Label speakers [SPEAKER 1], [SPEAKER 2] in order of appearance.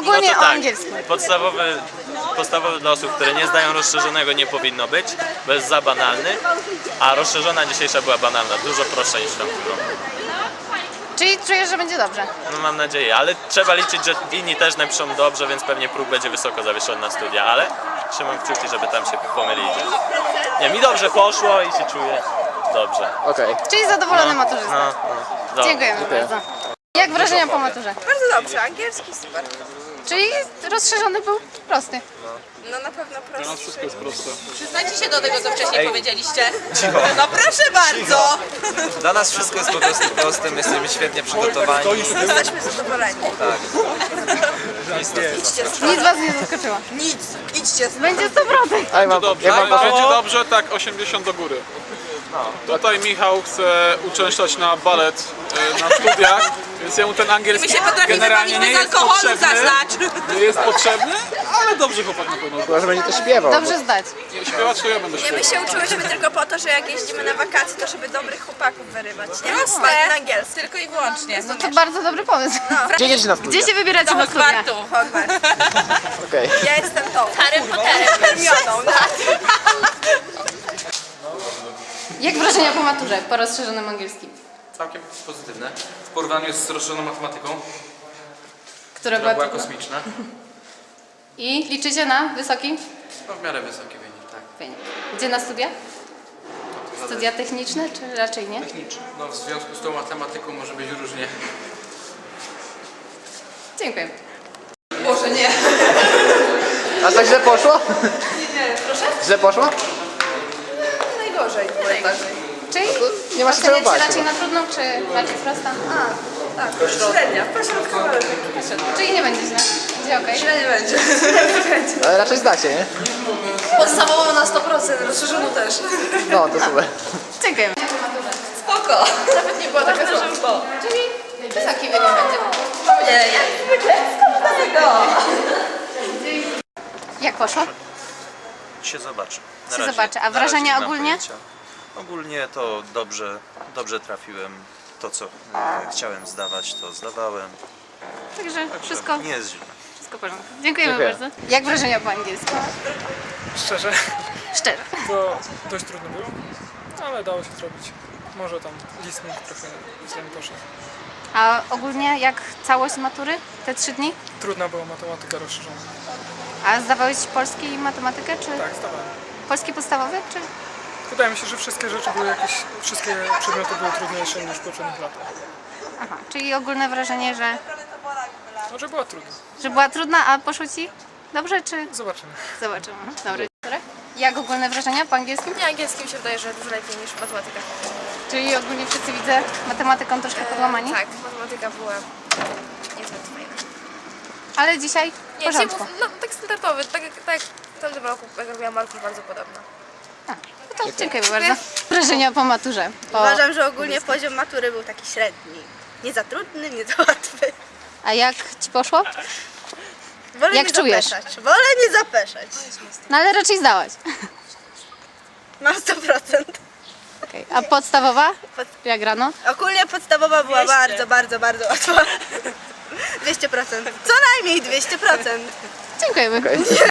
[SPEAKER 1] ogólnie
[SPEAKER 2] to
[SPEAKER 1] o
[SPEAKER 2] tak,
[SPEAKER 1] angielskim.
[SPEAKER 2] podstawowy dla osób, które nie zdają rozszerzonego nie powinno być, bo jest za banalny, a rozszerzona dzisiejsza była banalna, dużo prostsza niż tamtego.
[SPEAKER 1] Czyli czujesz, że będzie dobrze?
[SPEAKER 2] No mam nadzieję, ale trzeba liczyć, że inni też napiszą dobrze, więc pewnie próg będzie wysoko zawieszony na studia, ale trzymam kciuki, żeby tam się pomylili. Nie, mi dobrze poszło i się czuję dobrze.
[SPEAKER 3] Okej.
[SPEAKER 1] Czyli zadowolony maturzysta.
[SPEAKER 2] No.
[SPEAKER 1] Dziękujemy bardzo. Jak wrażenia po maturze?
[SPEAKER 4] Bardzo dobrze, angielski super.
[SPEAKER 1] Czyli rozszerzony był prosty.
[SPEAKER 4] No na pewno prosty.
[SPEAKER 3] Wszystko jest proste.
[SPEAKER 5] Przyznajcie się do tego, co wcześniej powiedzieliście.
[SPEAKER 4] No proszę bardzo!
[SPEAKER 6] Dla nas wszystko jest po prostu proste, my jesteśmy świetnie przygotowani.
[SPEAKER 4] Jesteśmy zadowoleni.
[SPEAKER 1] Nic was nie zaskoczyło.
[SPEAKER 4] Nic, idźcie.
[SPEAKER 1] Będzie 100%.
[SPEAKER 3] A ja mam
[SPEAKER 7] Będzie dobrze, tak 80 do góry. Tutaj Michał chce uczęszczać na balet na studiach, więc jemu ten angielski
[SPEAKER 5] My się potrafimy
[SPEAKER 7] generalnie
[SPEAKER 5] bawić
[SPEAKER 7] nie
[SPEAKER 5] bez
[SPEAKER 7] jest
[SPEAKER 5] alkoholu,
[SPEAKER 7] potrzebny.
[SPEAKER 5] zaznacz.
[SPEAKER 7] Nie jest potrzebny, ale dobrze chłopak na pewno.
[SPEAKER 3] Chyba, że będzie to śpiewał.
[SPEAKER 1] Dobrze zdać.
[SPEAKER 7] Śpiewać to ja będę
[SPEAKER 4] My
[SPEAKER 7] śpiewał.
[SPEAKER 4] się uczyłyśmy tylko po to, że jak jeździmy na wakacje, to żeby dobrych chłopaków wyrywać. Nie rozmawiać na angielsku.
[SPEAKER 5] Tylko i wyłącznie.
[SPEAKER 1] No to bardzo dobry pomysł.
[SPEAKER 3] Gdzie jedziecie na studia?
[SPEAKER 1] Gdzie się wybieracie na studia?
[SPEAKER 5] Kwartu.
[SPEAKER 4] Hogwarts.
[SPEAKER 3] Okej.
[SPEAKER 4] Ja jestem tą.
[SPEAKER 5] Harry Potterem.
[SPEAKER 4] Hermioną. No.
[SPEAKER 1] Jak wrażenia po maturze, po rozszerzonym angielskim?
[SPEAKER 6] Całkiem pozytywne. W porównaniu z rozszerzoną matematyką,
[SPEAKER 1] Która
[SPEAKER 6] która była
[SPEAKER 1] trudna?
[SPEAKER 6] kosmiczna.
[SPEAKER 1] I liczycie na wysoki
[SPEAKER 6] No w miarę wysoki wynik, tak.
[SPEAKER 1] wynik. Gdzie na studia? Studia techniczne, czy raczej nie?
[SPEAKER 6] Techniczny. No w związku z tą matematyką może być różnie.
[SPEAKER 1] Dziękuję.
[SPEAKER 5] Boże, nie.
[SPEAKER 3] A tak źle poszło? Nie, proszę? Źle poszło?
[SPEAKER 4] Najgorzej.
[SPEAKER 1] Czyli
[SPEAKER 3] Nie ma się czego
[SPEAKER 1] oceniacie
[SPEAKER 3] bać.
[SPEAKER 1] raczej na trudną, czy bardziej prosta?
[SPEAKER 4] Tak, średnia. Pośrodkowa.
[SPEAKER 1] Czyli nie będzie źle. Będzie okej.
[SPEAKER 4] Nie będzie.
[SPEAKER 3] Ale raczej zdacie, nie?
[SPEAKER 4] Podstawową na 100%, rozszerzoną też.
[SPEAKER 3] No, to super.
[SPEAKER 1] Dziękujemy.
[SPEAKER 4] Spoko. Nawet nie była taka trudna.
[SPEAKER 1] Czyli wysoki wynik będzie.
[SPEAKER 4] Nie, jak zwykle. Skąd tego?
[SPEAKER 1] Jak poszło?
[SPEAKER 2] Się zobaczy. Na
[SPEAKER 1] Się
[SPEAKER 2] razie-
[SPEAKER 1] zobaczy. A
[SPEAKER 2] na razie
[SPEAKER 1] wrażenia
[SPEAKER 2] nie mam
[SPEAKER 1] ogólnie?
[SPEAKER 2] pojęcia. Ogólnie to dobrze trafiłem. To co chciałem zdawać, to zdawałem.
[SPEAKER 1] Także wszystko,
[SPEAKER 2] Nie jest źle.
[SPEAKER 1] wszystko w porządku. Dziękujemy
[SPEAKER 3] Dziękuję.
[SPEAKER 1] bardzo. Jak wrażenia po angielsku?
[SPEAKER 8] Szczerze,
[SPEAKER 1] Szczerze.
[SPEAKER 8] to dość trudno było, ale dało się zrobić. Może tam listening trochę źle mi poszedł.
[SPEAKER 1] A ogólnie jak całość matury? Te 3 dni?
[SPEAKER 8] Trudna była matematyka rozszerzona.
[SPEAKER 1] A zdawałeś polski i matematykę, czy
[SPEAKER 8] Tak, zdawałem.
[SPEAKER 1] polski podstawowy, czy?
[SPEAKER 8] Wydaje mi się, że wszystkie rzeczy były jakieś, wszystkie przedmioty były trudniejsze niż w poprzednich latach.
[SPEAKER 1] Aha, czyli ogólne wrażenie,
[SPEAKER 8] Może była trudna.
[SPEAKER 1] że była trudna, a poszło ci dobrze, czy?
[SPEAKER 8] Zobaczymy.
[SPEAKER 1] Zobaczymy. Dobry. Jak ogólne wrażenia po angielskim?
[SPEAKER 4] Nie, angielskim się wydaje, że dużo lepiej niż matematyka.
[SPEAKER 1] Czyli ogólnie wszyscy widzę matematyką troszkę podłamani,
[SPEAKER 4] Tak, matematyka była niezbyt fajna.
[SPEAKER 1] ale dzisiaj w
[SPEAKER 4] Nie,
[SPEAKER 1] porządku.
[SPEAKER 4] no tak standardowy, tak jak w tamtym roku, jak robiłam Markusz, bardzo podobna.
[SPEAKER 1] No to dziękuję bardzo. Wrażenia po maturze.
[SPEAKER 9] Uważam, że ogólnie poziom matury był taki średni. Nie za trudny, nie za łatwy.
[SPEAKER 1] A jak ci poszło?
[SPEAKER 9] Wolę
[SPEAKER 1] Jak
[SPEAKER 9] nie
[SPEAKER 1] czujesz?
[SPEAKER 9] zapeszać. Wolę nie zapeszać.
[SPEAKER 1] No ale raczej zdałaś.
[SPEAKER 9] Mam 100%.
[SPEAKER 1] Okay. A podstawowa? Jak rano?
[SPEAKER 9] Ogólnie podstawowa była bardzo, bardzo, bardzo łatwa. 200%. Co najmniej 200%.
[SPEAKER 1] Dziękujemy.